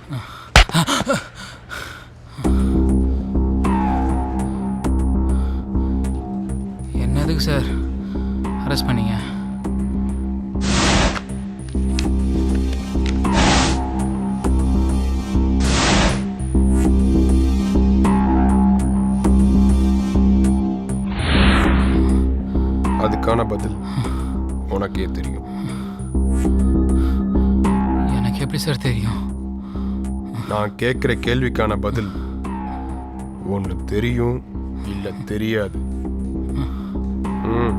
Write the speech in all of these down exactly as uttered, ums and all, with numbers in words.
என்னதுக்கு sir arrest பண்ணீங்க? அதுக்கான பதில் உனக்கே தெரியும். எனக்கு எப்படி சார் தெரியும்? நான் கேட்குற கேள்விக்கான பதில் ஒன்று தெரியும் இல்லை தெரியாது. ம்.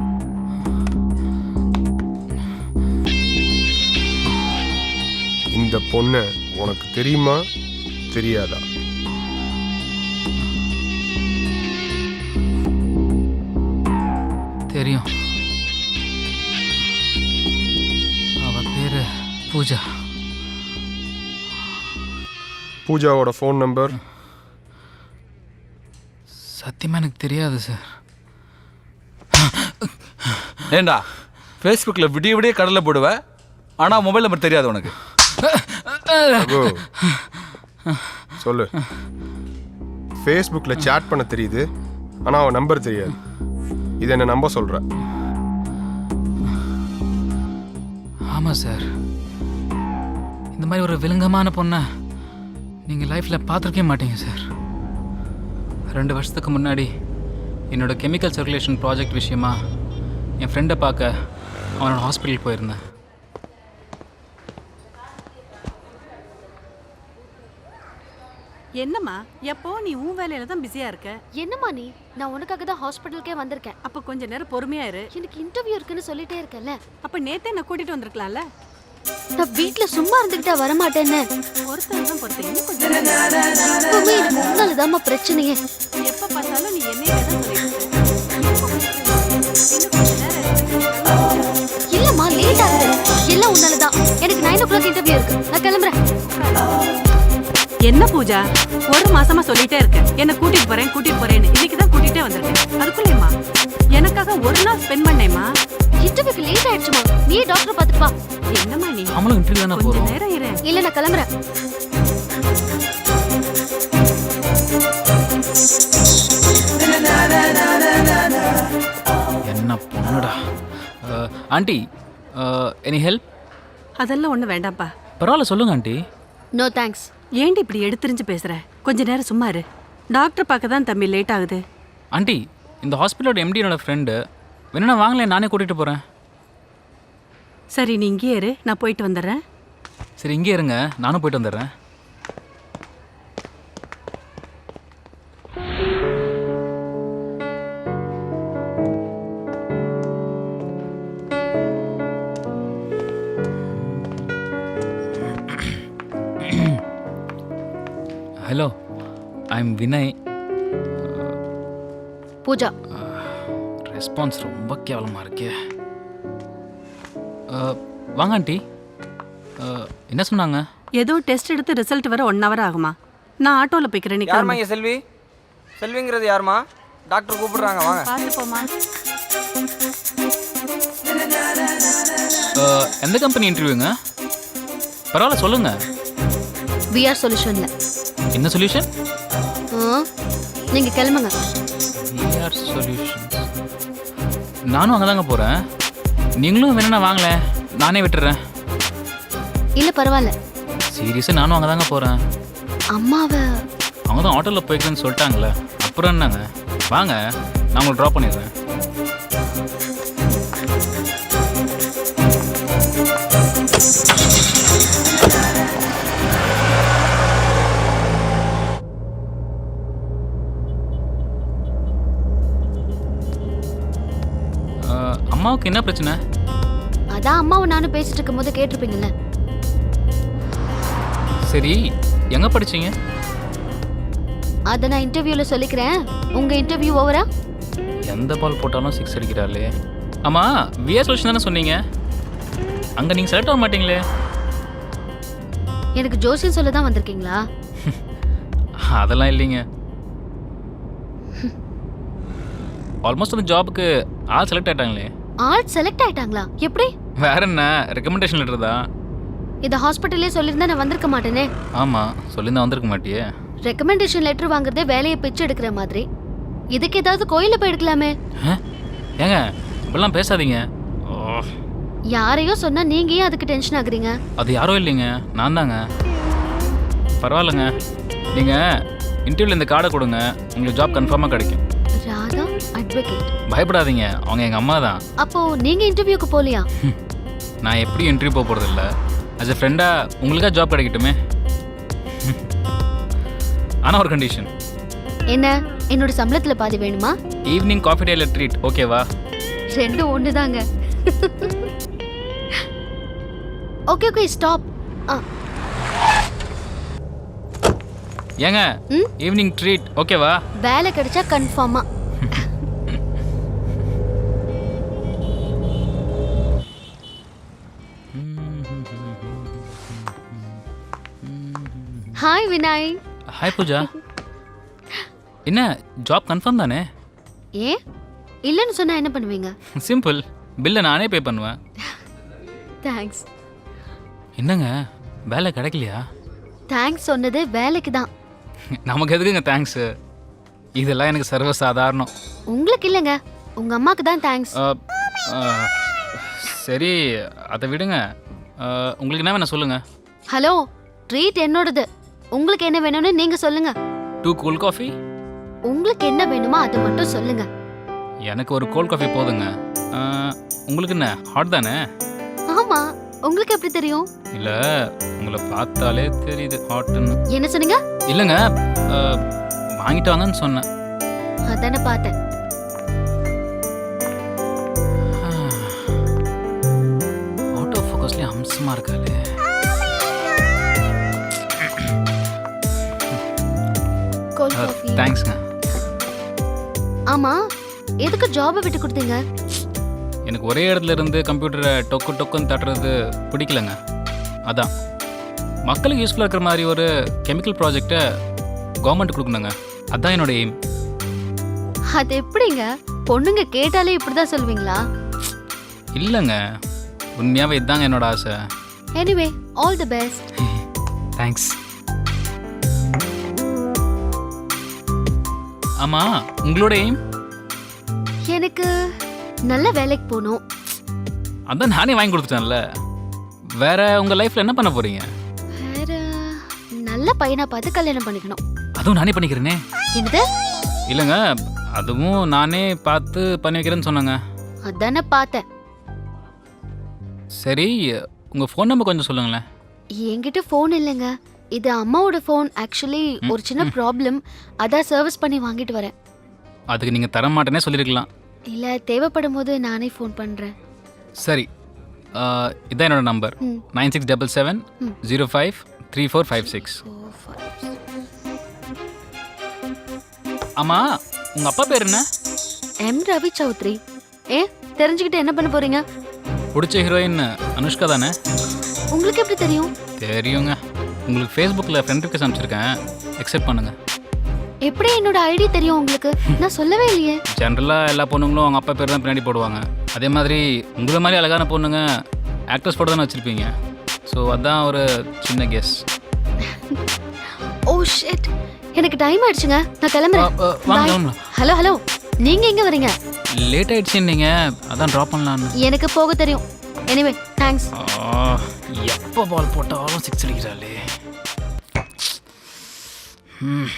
இந்த பொண்ணை உனக்கு தெரியுமா தெரியாதா? தெரியும். அவ பேரு பூஜா. பூஜாவோட phone number? சத்தியமா எனக்கு தெரியாது சார். ஏண்டா ஃபேஸ்புக்கில் விடிய விடிய கடலை போடுவேன், ஆனால் மொபைல் நம்பர் தெரியாது உனக்கு? ரகு, சொல்லு. ஃபேஸ்புக்கில் சேட் பண்ண தெரியுது, ஆனால் அவன் நம்பர் தெரியாது. இதை என்ன நம்ப சொல்கிற? ஆமாம் சார். இந்த மாதிரி ஒரு விலங்கமான பொண்ணை நீங்கள் லைஃப்பில் பார்த்துருக்கவே மாட்டீங்க சார். ரெண்டு வருஷத்துக்கு முன்னாடி என்னோட கெமிக்கல் சர்க்குலேஷன் ப்ராஜெக்ட் விஷயமா என் ஃப்ரெண்டை பார்க்க அவனோட ஹாஸ்பிட்டல் போயிருந்தேன். என்னம்மா எப்போ நீ உன் வேலையில தான் பிஸியா இருக்க? என்னம்மா நீ? நான் உனக்காக தான் ஹாஸ்பிட்டலுக்கே வந்திருக்கேன். அப்ப கொஞ்ச நேரம் பொறுமையா இரு. எனக்கு இன்டர்வியூ இருக்குன்னு சொல்லிட்டே இருக்கேன்ல. அப்ப நேத்தே நான் கூட்டிட்டு வந்திருக்கலாம்ல. நான் வீட்ல சும்மா இருந்துகிட்டா வர மாட்டேன்னு. ஒருத்தர் தான் பொறுத்தீங்க கொஞ்சம். எப்பவுமே எனக்கு உன்னாலதாம்மா பிரச்சனையே. எப்ப பார்த்தாலும் நீ என்னையே தான் சொல்லிட்டு. இல்லம்மா லேட் ஆகுது. எல்லாம் உன்னாலதான். எனக்கு நைன் ஓ கிளாக் இன்டர்வியூ இருக்கு. நான் கிளம்புறேன். என்ன பூஜா, ஒரு மாசமா சொல்லிட்டே இருக்க என்ன கூட்டிட்டு போறேன் கூட்டிட்டு போறேன்னு. இன்னைக்கு தான் கூட்டிட்டே வந்திருக்கேன். அதுக்குள்ளேம்மா எனக்காக ஒரு நாள் ஸ்பெண்ட் பண்ணேம்மா. இன்டர்வியூக்கு லேட் ஆயிடுச்சுமா. நீ டாக்டர் பார்த்துட்டு வா. என்னம்மா நீ? அவங்களும் இன்டர்வியூ தானே கொஞ்ச போகிறோம். நேரம் இரு. இல்ல நான் கிளம்புறேன். என்ன பொண்ணுடா. Aunty, any help? அதெல்லாம் ஒண்ணு வேண்டாம்ப்பா. பரவாயில்ல, சொல்லுங்க ஆண்டி. No thanks. ஏண்டி இப்படி எடுத்துரிஞ்சு பேசுற? கொஞ்ச நேரம் சும்மா இரு. டாக்டர் பார்க்க தான் தம்பி லேட் ஆகுது. ஆண்டி, இந்த ஹாஸ்பிட்டலோட எம்டி என்னோட ஃப்ரெண்டு. வேணும்னா வாங்களேன், நானே கூட்டிகிட்டு போகிறேன். சரி நீ இங்கே இரு, நான் போயிட்டு வந்துடுறேன். சரி இங்கே இருங்க, நானும் போயிட்டு வந்துடுறேன். Hello, I am Vinay. Pooja. Response ரொம்ப கேவலமாக இருக்கே. வாங்க ஆண்டி. என்ன சொன்னாங்க? ஏதோ டெஸ்ட் எடுத்து ரிசல்ட் வர ஒன் ஹவர் ஆகுமா? நான் ஆட்டோவில் போய்க்கிறேன். யாருமா இங்கே செல்வி? செல்விங்கிறது யாருமா? டாக்டர் கூப்பிடுறாங்க, வாங்க. பார்த்து போமா. எந்த கம்பெனி இன்டர்வியூங்க? பரவாயில்ல சொல்லுங்க. விஆர் சொல்யூஷன்ல. என்ன சொல்யூஷன்? நீங்க கிளம்புங்க. VR solutions. நானும் அங்கே தாங்க போகிறேன். நீங்களும் வேணும்னா வாங்களேன், நானே விட்டுறேன். இல்ல பரவாயில்ல. சீரியஸாக நானும் அங்கே தாங்க போகிறேன். அம்மாவை அவங்க தான் ஆட்டோவில் போய்க்கிறேன்னு சொல்லிட்டாங்களே, அப்புறம் என்னங்க? வாங்க, நான் உங்களை ட்ராப் பண்ணிடுறேன். அம்மாவுக்கு என்ன பிரச்சனை? அதான் அம்மாவை நானும் பேசிட்டு இருக்கும் போது கேட்டிருப்பீங்கல்ல. சரி, எங்க படிச்சீங்க? அத நான் இன்டர்வியூல சொல்லிக்கிறேன். உங்க இன்டர்வியூ ஓவரா? எந்த பால் போட்டாலும் சிக்ஸ் அடிக்கிறாளே. ஆமா, விஆர் சொல்யூஷன் தானே சொன்னீங்க. அங்க நீங்க செலக்ட் ஆக மாட்டீங்களே. எனக்கு ஜோசியம் சொல்ல தான் வந்திருக்கீங்களா? அதெல்லாம் இல்லைங்க. ஆல்மோஸ்ட் அந்த ஜாபுக்கு ஆள் செலக்ட் ஆயிட்டாங்களே. ஆள் செலக்ட் ஆயிட்டாங்களா? எப்படி? வேற என்ன, ரெக்கமெண்டேஷன் லெட்டர் தான். இதை ஹாஸ்பிட்டல்லே சொல்லியிருந்தா நான் வந்திருக்க மாட்டேனே. ஆமாம் சொல்லியிருந்தா வந்திருக்க மாட்டியே. ரெக்கமெண்டேஷன் லெட்டர் வாங்குறதே வேலையை பிச்சு எடுக்கிற மாதிரி. இதுக்கு ஏதாவது கோயில போய் எடுக்கலாமே. ஆ? ஏங்க இப்படிலாம் பேசாதீங்க. ஓ, யாரையோ சொன்னா நீங்க ஏன் அதுக்கு டென்ஷன் ஆகுறீங்க? அது யாரும் இல்லைங்க, நான் தாங்க. பரவாயில்லைங்க, நீங்கள் இன்டர்வியூவில் இந்த கார்டை கொடுங்க, உங்களுக்கு ஜாப் கன்ஃபார்மாக கிடைக்கும். ராதா அட்வொகேட். பயப்படாதீங்க, அவங்க எங்கள் அம்மா தான். அப்போ நீங்க இன்டர்வியூக்கு போலியா? நான் எப்படியும் இன்டர்வியூ போக போகிறதில்ல. ஆஸ் எ ஃப்ரெண்டாக உங்களுக்காக ஜாப் கிடைக்கட்டுமே. ஆனால் ஒரு கண்டிஷன். என்ன? என்னோட சம்பளத்துல பாதி வேணுமா? ஈவினிங் காஃபி டேல ட்ரீட் ஓகேவா? ரெண்டும் ஒண்ணுதாங்க. Okay okay stop. ஏங்க ம்? ஈவினிங் ட்ரீட் ஓகேவா? வேலை கிடைச்சா கன்ஃபார்மா. ஹாய் வினாய். ஹாய் பூஜா. என்ன ஜாப் கன்ஃபார்ம் தானே? ஏன் இல்லைன்னு சொன்னா என்ன பண்ணுவீங்க? சிம்பிள், பில்லை நானே பே பண்ணுவேன். தேங்க்ஸ். என்னங்க வேலை கிடைக்கலையா? தேங்க்ஸ் சொன்னது வேலைக்கு தான். நமக்கு எதுக்குங்க தேங்க்ஸு? இதெல்லாம் எனக்கு சர்வசாதாரணம். உங்களுக்கு இல்லைங்க, உங்க அம்மாக்கு தான் தேங்க்ஸ். அ, அ, சரி அதை விடுங்க. அ, உங்களுக்கு என்ன வேணும் சொல்லுங்கள். ஹலோ, ட்ரீட் என்னோடது. உங்களுக்கு என்ன வேணும்னு நீங்க சொல்லுங்க. Two cool coffee. உங்களுக்கு என்ன வேணுமோ அதை மட்டும் சொல்லுங்க. எனக்கு ஒரு கோல்ட் காஃபி போதுங்க. அ, உங்களுக்கு என்ன ஹாட் தானே? ஆமா, உங்களுக்கு எப்படி தெரியும்? இல்லை உங்களை பார்த்தாலே தெரியுது ஹாட்டுன்னு. என்ன சொன்னீங்க? இல்லைங்க அ, வாங்கிட்டு வாங்கன்னு சொன்னேன். அதானே பார்த்தேன். ஆட்டோ ஃபோக்கஸ்லேயே அம்சமாக இருக்காளே. Cold coffee. தேங்க்ஸ்ங்க. ஆமா, எதுக்கு ஜாபை விட்டு கொடுத்தீங்க? எனக்கு ஒரே இடத்துல இருந்து கம்ப்யூட்டரை டொக்கு டொக்குன்னு தட்டுறது பிடிக்கலங்க. அதான் மக்களுக்கு யூஸ்ஃபுல்லாக இருக்கிற மாதிரி ஒரு கெமிக்கல் ப்ராஜெக்டை கவர்மெண்ட் கொடுக்கணுங்க. அதான் என்னோட எய்ம். அது எப்படிங்க? பொண்ணுங்க கேட்டாலே இப்படிதான் சொல்வீங்களா? இல்லைங்க, உண்மையாகவே இதுதாங்க என்னோட ஆசை. Anyway, all the best. Thanks. ஆமாம், உங்களோட எய்ம்? எனக்கு நல்ல வேலைக்கு போகணும். அதான் நானே வாங்கி கொடுத்துட்டேன்ல. வேற உங்கள் லைஃப்பில் என்ன பண்ண போகிறீங்க? வேற நல்ல பையனா பார்த்து கல்யாணம் பண்ணிக்கணும். அதுவும் நானே பண்ணிக்கிறேனே. என்னது? இல்லைங்க, அதுவும் நானே பார்த்து பண்ணி வைக்கிறேன்னு சொன்னாங்க. அதானே பார்த்தேன். சரி, உங்கள் ஃபோன் நம்பர் கொஞ்சம் சொல்லுங்களேன். என்கிட்ட ஃபோன் இல்லைங்க, இது அம்மாவோட ஃபோன். ஆக்சுவலி ஒரு சின்ன ப்ராப்ளம், அதான் சர்வீஸ் பண்ணி வாங்கிட்டு வரேன். அதுக்கு நீங்கள் தர மாட்டேனே சொல்லியிருக்கலாம். இல்லை, தேவைப்படும் போது நானே ஃபோன் பண்ணுறேன். சரி, ஆஹ், இதான் என்னோட நம்பர். ம். Nine six double seven zero five three four five six. ஆமாம், உங்கள் அப்பா பேர் என்ன? எம் ரவி சௌத்ரி. ஏ, தெரிஞ்சுக்கிட்டு என்ன பண்ண போறீங்க? பிடிச்ச ஹீரோயின் அனுஷ்கா தானே? உங்களுக்கு எப்படி தெரியும்? தெரியுங்க, உங்களுக்கு ஃபேஸ்புக்கில் ஃப்ரெண்ட் ரிக்வெஸ்ட் அனுப்பிச்சிருக்கேன், அக்செப்ட் பண்ணுங்கள். எப்படி என்னோட ஐடி தெரியும் உங்களுக்கு? நான் சொல்லவே இல்லையே. ஜென்ரலாக எல்லா பொண்ணுங்களும் அவங்க அப்பா பேர் தான் பின்னாடி போடுவாங்க. அதே மாதிரி உங்களை மாதிரி அழகான பொண்ணுங்க ஆக்ட்ரஸ் போட்டு தானே வச்சுருப்பீங்க. ஸோ அதான் ஒரு சின்ன கெஸ். ஓ ஷிட், எனக்கு டைம் ஆயிடுச்சுங்க, நான் கிளம்புறேன். அ, அ, வாங்க, வாங்க. ஹலோ ஹலோ, நீங்க எங்க வரீங்க? லேட் ஆயிடுச்சு நீங்கள், அதான் ட்ராப் பண்ணலான்னு. எனக்கு போக தெரியும். Anyway, thanks. எப்போ பால் போட்டாலும் சிக்ஸ் அடிக்கிறாளே. ம்.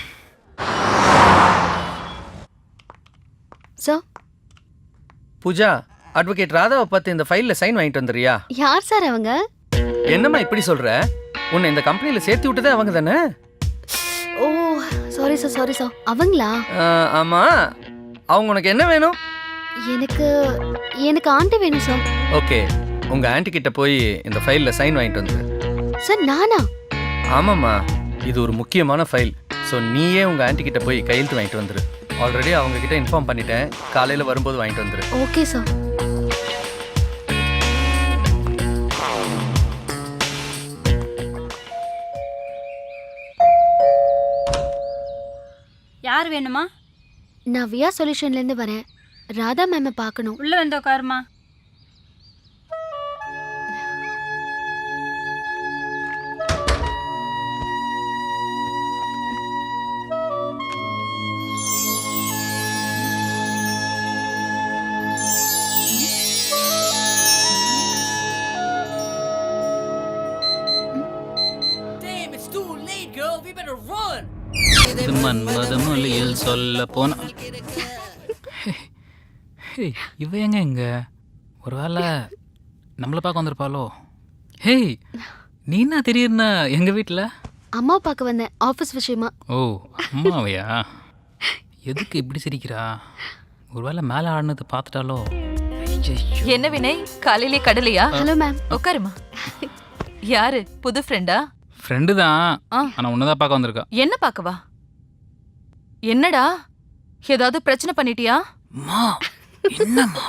சார். பூஜா, அட்வொகேட் ராதாவை பார்த்து இந்த ஃபைலில் சைன் வாங்கிட்டு வந்துடுறியா? யார் சார் அவங்க? என்னம்மா இப்படி சொல்கிற? உன்னை இந்த கம்பெனியில் சேர்த்து விட்டதே அவங்க தானே? Oh sorry sir, sorry sir. அவங்களா? ஆமாம். அவங்க உனக்கு என்ன வேணும்? எனக்கு எனக்கு ஆண்டி வேணும் சார். ஓகே, உங்கள் ஆன்ட்டி கிட்ட போய் இந்த ஃபைலில் சைன் வாங்கிட்டு வந்துடு. சார் நானா? ஆமாம்மா, இது ஒரு முக்கியமான ஃபைல். ஸோ நீயே உங்கள் ஆன்ட்டி கிட்ட போய் கையெழுத்து வாங்கிட்டு வந்துடு. ஆல்ரெடி அவங்க கிட்ட இன்ஃபார்ம் பண்ணிட்டேன், காலையில் வரும்போது வாங்கிட்டு வந்துடு. Okay sir. யார் வேணுமா? நான் வியா சொல்யூஷன்லேருந்து வரேன். ராதா மேமை பார்க்கணும். உள்ள வந்து உட்காருமா. இது மன்மதம் மொழியில் சொல்ல போன ஹேய், இவ எங்க இங்க ஒருவேளை நம்மளை பார்க்க வந்திருப்பாளோ? ஹேய், நீ என்ன திடீர்னு எங்க வீட்டில்? அம்மாவை பார்க்க வந்தேன் ஆஃபீஸ் விஷயமா. ஓ, அம்மாவையா? எதுக்கு இப்படி சிரிக்கிறா? ஒருவேளை மேலே ஆடினது பார்த்துட்டாலோ? ஐயையோ. என்ன வினய், காலையிலே கடலையா? Hello ma'am. உட்காருமா. யாரு, புது ஃப்ரெண்டா? ஃப்ரெண்டு தான், ஆ. ஆனால் உன்னதான் பார்க்க வந்திருக்கா. என்ன பார்க்கவா? என்னடா, ஏதாவது பிரச்சனை பண்ணிட்டியா? அம்மா, என்னம்மா?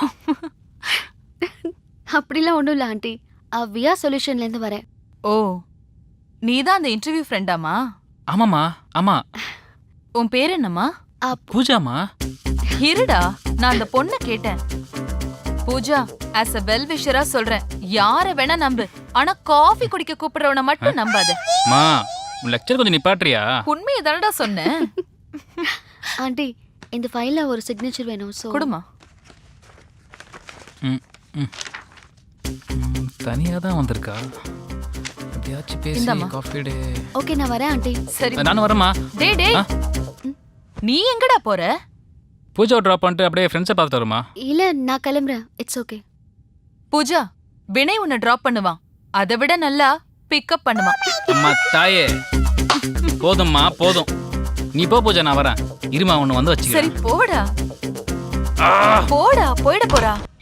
அப்படிலாம் ஒன்றும் இல்லை ஆண்டி. வியா சொல்யூஷன்லேருந்து வரேன். ஓ, நீதான் அந்த இன்டர்வியூ ஃப்ரெண்டாமா? ஆமாம்மா, ஆமா. உன் பேர் என்னம்மா? ஆ, பூஜாமா? இருடா, நான் அந்த பொண்ணை கேட்டேன். பூஜா, ஆஸ் அ வெல் விஷரா சொல்றேன், யார வேணா நம்பு, ஆனா காஃபி குடிக்க கூப்பிடுறவன மட்டும் நம்பாத. மா, உன் லெக்சர் கொஞ்சம் நிப்பாட்டுறியா? உண்மையை தானடா சொன்னேன். ஆண்டி இந்த ஃபைலில் ஒரு சிக்னேச்சர் வேணும். ஸோ குடுமா. ம் ம் தனியாக தான் வந்திருக்கா. எப்படியாச்சும் பேசி இந்தாம்மா. Coffee day. ஓகே நான் வரேன் ஆண்டி. சரி. நானும் வரேம்மா. டேய் டேய், ஆ? நீ எங்கடா போற? பூஜாவை ட்ராப் பண்ணிட்டு அப்படியே ஃப்ரெண்ட்ஸை பார்த்துட்டு வருமா? இல்லை நான் கிளம்புறேன். It's okay. பூஜா, வினய் உன்னை டிராப் பண்ணுவான், அதை விட நல்லா பிக்கப் பண்ணுவான். அம்மா தாயே, போதும்மா போதும். நீ போ பூஜா, நான் வரேன். இருமா ஒன்று வந்து சரி வச்சுக்கிறேன். போடா. போடா, போயிட போறா.